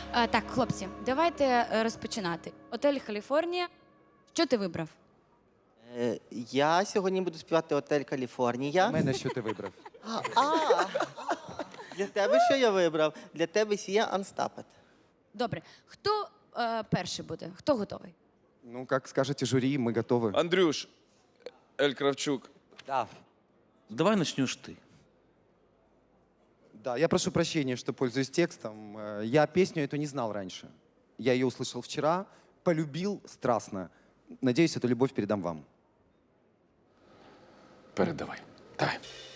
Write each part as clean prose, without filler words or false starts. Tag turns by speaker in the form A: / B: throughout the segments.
A: Так, хлопці, давайте розпочинати. Отель Каліфорнія. Що ти вибрав?
B: Я сьогодні буду співати «Отель Каліфорнія».
C: У мене що ти вибрав?
B: Для тебе що я вибрав? Для тебе Сія Unstopped.
A: Добре. Хто перший буде? Хто готовий?
C: Ну, как скажете жюри, мы готовы.
D: Андрюш, Эль Кравчук,
C: Да.
D: давай начнешь ты.
C: Да, я прошу прощения, что пользуюсь текстом. Я песню эту не знал раньше. Я ее услышал вчера, полюбил страстно. Надеюсь, эту любовь передам вам.
D: Передавай. Давай.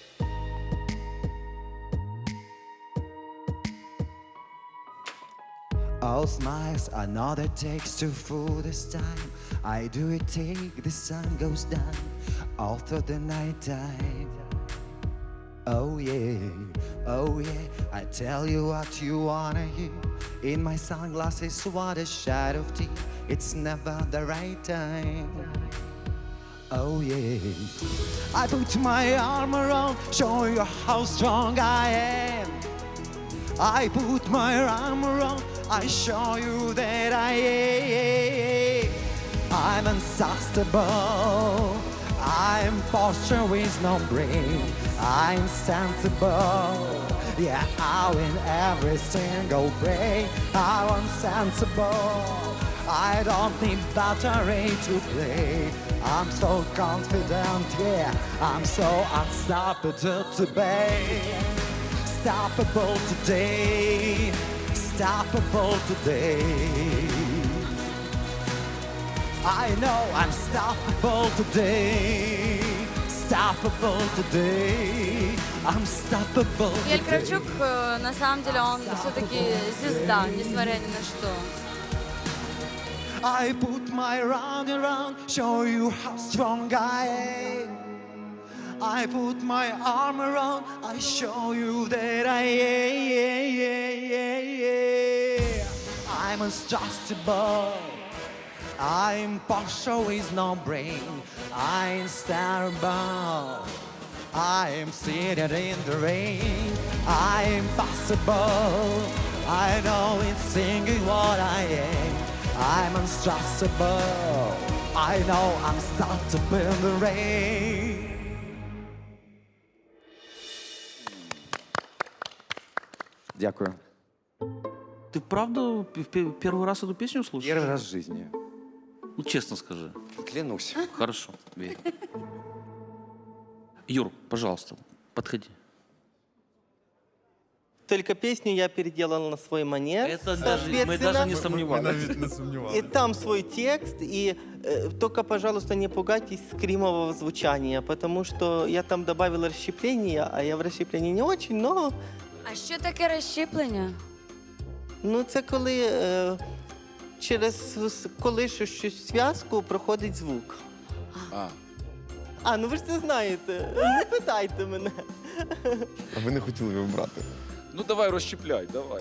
E: All smiles, another takes to fool this time. I do it take, the sun goes down all through the night time. Oh yeah, I tell you what you wanna hear. In my sunglasses, what a shot of tea. It's never the right time. Oh yeah, I put my arm around, show you how strong I am. I put my arm around, I show you that I'm unstoppable. I'm posture with no brain. I'm sensible. Yeah, I win every single break. I'm sensible. I don't need battery to play. I'm so confident, yeah. I'm so unstoppable today. Stoppable today. Stoppable today. I know I'm stoppable today. Stoppable today. I'm stoppable
A: Эль
E: today.
A: Кравчук, на самом деле, он все-таки звезда, несмотря ни на что.
E: I put my round around, show you how strong I am. I put my arm around, I show you that I'm untrustable. I'm partial with no brain. I'm starable. I'm seated in the rain. I'm possible. I know it's singing what I am. I'm unstressable. I know I'm started in the rain.
C: Дякую.
D: Ты правда первый раз эту песню слушаешь?
C: Первый раз в жизни.
D: Ну, честно скажи.
C: Клянусь.
D: Хорошо, верю. Юр, пожалуйста, подходи.
B: Только песню я переделал на свой манер.
D: Это даже, мы даже не сомневались.
B: И там свой текст, и только, пожалуйста, не пугайтесь скримового звучания, потому что я там добавил расщепление, а я в расщеплении не очень, но...
A: А що таке розщеплення?
B: Ну, це коли через колишу щось зв'язку проходить звук. Ну ви ж це знаєте. Не питайте мене.
F: А ви не хотіли його брати?
D: Ну давай розщепляй, давай.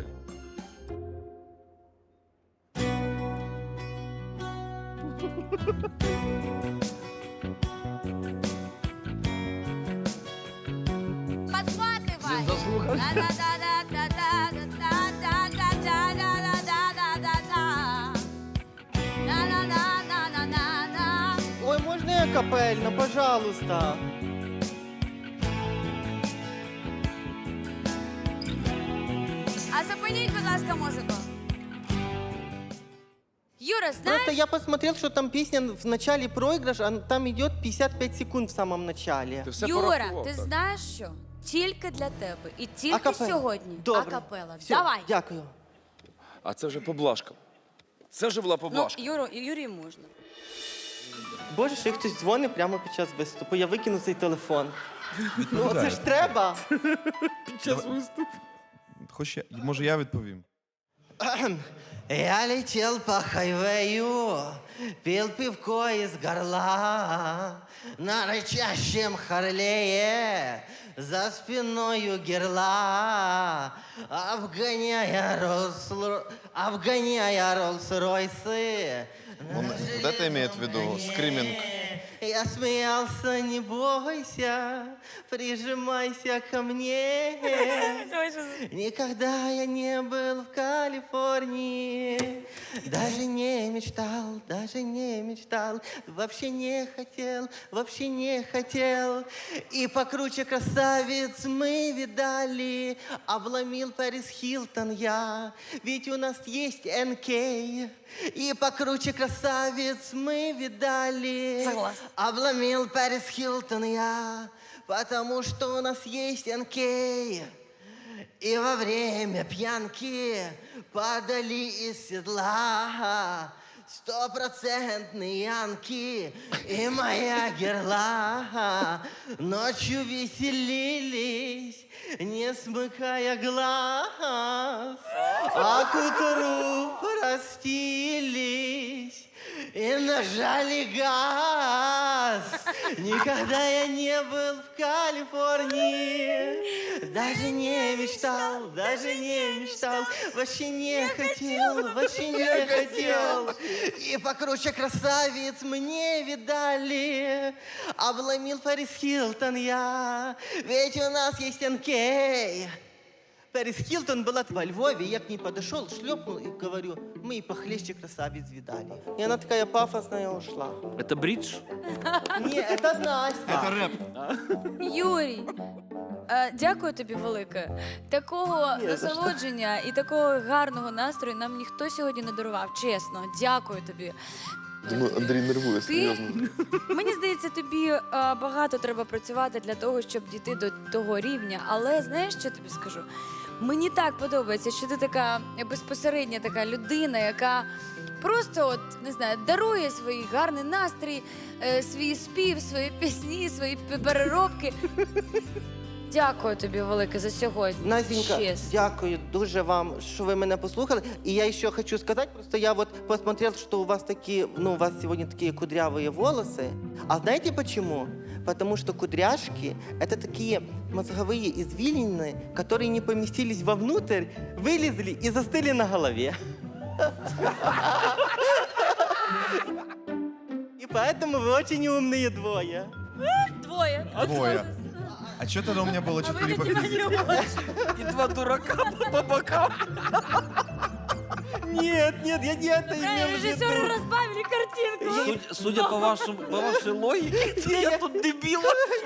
A: Подхватывай!
B: Ой, можна я капельно, пожалуйста?
A: А зупиніть, будь ласка, музику. Юра, знаєш?
B: Просто я посмотрел, что там песня в начале проигрыш, а там идет 55 секунд в самом начале.
D: Ти все
A: Юра,
D: порахував,
A: ти
D: так?
A: знаєш що? Тільки для тебе. І тільки
B: Акапелла.
A: сьогодні.
B: Добре.
A: Акапела.
B: Все,
A: Давай.
B: дякую.
D: А це вже поблажка. Це вже була
A: Ну,
D: поблажка.
A: Юрі можна.
B: Боже, ще хтось дзвонить прямо під час виступу. Я викину цей телефон. Ну, це ж треба.
F: Може, я відповім?
B: Я летел по хайвею, пил пивко из горла, на рычащем Харлее, за спиною герла, обгоняя Роллс-Ройсы.
F: Вот это имеет в виду скриминг.
B: Я смеялся, не бойся, прижимайся ко мне. Никогда я не был в Калифорнии. Калифорнии. Даже не мечтал, вообще не хотел. И покруче красавиц мы видали, обломил Пэрис Хилтон я, ведь у нас есть НК. И покруче красавиц мы видали,
A: Согласна.
B: обломил Пэрис Хилтон я, потому что у нас есть НК. И во время пьянки падали из седла 100% янки и моя герла. Ночью веселились, не смыкая глаз, а к утру простились и нажали газ. Никогда я не был в Калифорнии, даже не мечтал, вообще не хотел. И покруче красавиц мне видали, обломил Пэрис Хилтон я, ведь у нас есть НК. Пэрис Хилтон была во Львове, я к ней подошел, шлепнул и говорю, мы и похлеще красавиц видали. И она такая пафосная ушла.
D: Это бридж?
B: Ні, це Настя.
A: Юрій, дякую тобі велике. Такого
B: Ні, за що.
A: насолодження і такого гарного настрою нам ніхто сьогодні не дарував. Чесно, дякую тобі.
F: Думаю, Андрій нервує,
A: Ти,
F: серйозно.
A: мені здається, тобі багато треба працювати для того, щоб дійти до того рівня. Але знаєш, що я тобі скажу? Мені так подобається, що ти така безпосередня така людина, яка просто, от, не знаю, дарує свій гарний настрій, свій спів, свої пісні, свої переробки. Дякую тобі велике за сьогодні.
B: Настенька,
A: Чесно.
B: дякую дуже вам, що ви мене послухали. І я ще хочу сказати, просто я вот посмотрел, что у вас такие, у вас сегодня такие кудрявые волосы. А знаете почему? Потому что кудряшки — это такие мозговые извилины, которые не поместились вовнутрь, вылезли и застыли на голове. И поэтому вы очень умные двое.
A: Двоє.
F: Двоє. А что тогда у меня было 4 по физике?
D: И два дурака по бокам.
B: Нет, я не это имел в
A: Режисери
B: виду.
A: розбавили картинку.
D: Судя по вашей логике, я тут дебил.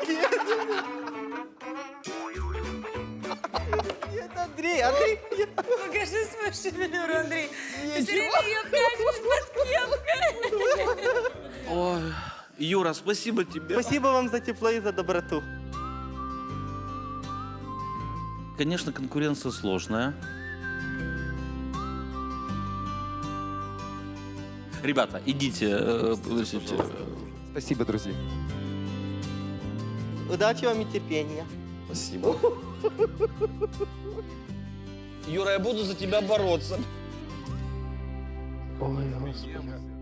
B: Нет, Андрей,
A: Покажи свою шевелюру, Андрій. Ти все время її прячеш під кепкою.
D: Ой, Юра, спасибо тебе.
B: спасибо вам за тепло и за доброту.
D: Конечно, конкуренция сложная. Ребята, идите, подождите.
C: Спасибо, друзья.
B: Удачи вам и терпения.
F: Спасибо.
G: Юра, я буду за тебя бороться.
B: Ой, Господи.